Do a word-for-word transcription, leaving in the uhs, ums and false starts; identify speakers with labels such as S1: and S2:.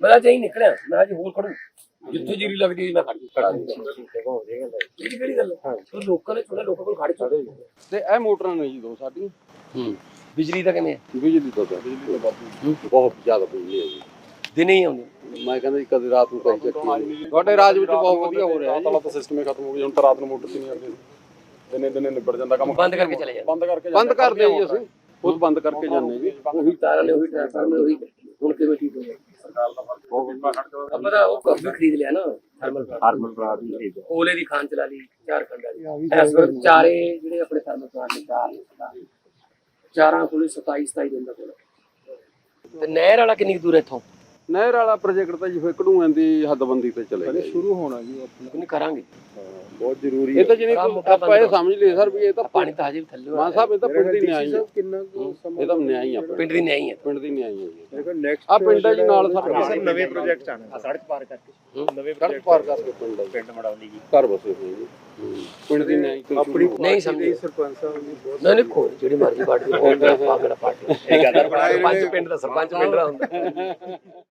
S1: ਪਤਾ ਚਾਹੀ ਨਿਕਲਿਆ ਮੈਂ ਅੱਜ ਹੋਰ ਖੜੂ ਜਿੱਥੇ ਜੀਰੀ ਲੱਗਦੀ ਮੈਂ ਖੜ ਇਹ ਕਿਹੜੀ ਗੱਲ ਹੈ ਲੋਕਾਂ ਨੇ ਥੋੜਾ ਲੋਕਾਂ ਕੋਲ ਖੜ ਚੁੱਕੇ
S2: ਤੇ ਇਹ ਮੋਟਰਾਂ ਨੇ ਜੀ ਦੋ ਸਾਡੀਆਂ
S1: ਹੂੰ ਬਿਜਲੀ ਦਾ ਕਿਵੇਂ
S2: ਬਿਜਲੀ ਤੋਂ ਬਿਜਲੀ ਤੋਂ ਬਹੁਤ ਜ਼ਿਆਦਾ ਬਿਜਲੀ ਹੈ ਜੀ
S1: ਦਿਨੇ ਹੀ ਆਉਂਦੇ
S2: ਮੈਂ ਕਹਿੰਦਾ ਜੀ ਕਦੇ ਰਾਤ ਨੂੰ ਪੈਸੇ ਚੱਕੀ ਤੁਹਾਡੇ ਰਾਜ ਵਿੱਚ ਬਹੁਤ ਵਧੀਆ ਹੋ ਰਿਹਾ
S3: ਤਾਲਾ ਤਾਂ ਸਿਸਟਮ ਹੀ ਖਤਮ ਹੋ ਗਿਆ ਹੁਣ ਤਾਂ ਰਾਤ ਨੂੰ ਮੋਟਰ ਤੇ ਨਹੀਂ ਆਉਂਦੇ ਦਿਨੇ ਦਿਨੇ ਨਿਬੜ ਜਾਂਦਾ ਕੰਮ
S1: ਬੰਦ ਕਰਕੇ ਚਲੇ ਜਾਂਦੇ
S3: ਬੰਦ ਕਰਕੇ
S2: ਬੰਦ ਕਰਦੇ ਜੀ ਅਸੀਂ ਖੁਦ ਬੰਦ ਕਰਕੇ ਜਾਂਦੇ ਜੀ
S1: ਉਹੀ ਤਾਰਾਂ ਨੇ ਉਹੀ ਟ੍ਰਾਂਸਫਾਰਮਰ ਉਹੀ ਹੁਣ ਕਿਵੇਂ ਠੀਕ ਹੋ ਗਿਆ
S3: ਸਰਕਾਰ ਦਾ ਫਰਕ ਬਹੁਤ ਬੀਮਾ ਖਰਚ
S1: ਆਪਾਂ ਤਾਂ ਉਹ ਕੱਪ ਵੀ ਖਰੀਦ ਲਿਆ ਨਾ ਥਰਮਲ
S3: ਹਾਰਮਲ ਪਲਾਂਟ ਵੀ ਖਰੀਦ
S1: ਕੋਲੇ ਦੀ ਖਾਨ ਚਲਾ ਲਈ ਚਾਰ ਖੰਡਾਂ ਦੀ ਇਸ ਵਕਤ ਚਾਰੇ ਜਿਹੜੇ ਆਪਣੇ ਥਰਮਲ ਪਲਾਂਟ ਨੇ ਚਾਰ ਚਾਰਾਂ ਕੋਲੇ ਸਤਾਈ ਸਤਾਈ ਦਿਨ ਦਾ ਕੋਲ ਤੇ ਨਹਿਰ ਵਾਲਾ ਕਿੰਨੀ ਦੂਰ ਇੱਥੋਂ
S2: ਨਹਿਰ ਵਾਲਾ ਪ੍ਰੋਜੈਕਟ ਤਾਂ ਜੀ ਫਿਰ ਕਢੂਆਂ ਦੀ ਹੱਦਬੰਦੀ ਤੇ ਚਲੇ ਗਿਆ
S3: ਸ਼ੁਰੂ ਹੋਣਾ ਜੀ ਆਪਣਾ
S1: ਕਿੰਨੀ ਕਰਾਂਗੇ
S3: ਬਹੁਤ ਜ਼ਰੂਰੀ
S2: ਇਹ ਤਾਂ ਜਿਹਨੇ ਆਪਾਂ ਇਹ ਸਮਝ ਲਈ ਸਰ ਵੀ ਇਹ ਤਾਂ
S1: ਪਾਣੀ ਤਾਂ ਹਜੇ ਵੀ ਥੱਲੇ
S2: ਮਾਨ ਸਾਹਿਬ ਇਹ ਤਾਂ ਪਿੰਡ ਦੀ ਨਿਆਈ ਹੈ
S3: ਕਿੰਨਾ
S2: ਇਹ ਤਾਂ ਨਿਆਈ ਆ
S1: ਪਿੰਡ ਦੀ ਨਹੀਂ ਹੈ
S2: ਪਿੰਡ ਦੀ ਨਿਆਈ ਹੈ ਜੀ
S3: ਦੇਖੋ ਨੈਕਸਟ
S2: ਆ ਪਿੰਡ ਹੈ ਜੀ ਨਾਲ ਸਰ
S3: ਨਵੇਂ ਪ੍ਰੋਜੈਕਟ ਆਣੇ ਸੜਕ ਪਾਰ ਕਰਕੇ ਨਵੇਂ
S2: ਸੜਕ ਪਾਰ ਕਰਕੇ ਪਿੰਡ ਹੈ
S3: ਪਿੰਡ ਮੜਾਉਣੀ ਜੀ
S2: ਘਰ ਬਸੇ ਹੋਏ ਜੀ ਪਿੰਡ ਦੀ ਨਿਆਈ ਤੋਂ
S3: ਆਪਣੀ
S1: ਨਹੀਂ ਸਮਝੇ
S3: ਸਰਪੰਚ ਸਾਹਿਬ ਨੇ ਬਹੁਤ
S1: ਨਹੀਂ ਨਹੀਂ ਕੋਈ ਜਿਹੜੀ ਮਰਜ਼ੀ ਪਾਰਟੀ ਪਾਗਲ ਪਾਰਟੀ ਇਹ ਗੱਲ ਸਰਪੰਚ ਪਿੰਡ ਦਾ ਸਰਪੰਚ ਪਿੰਡ ਦਾ ਹੁੰਦਾ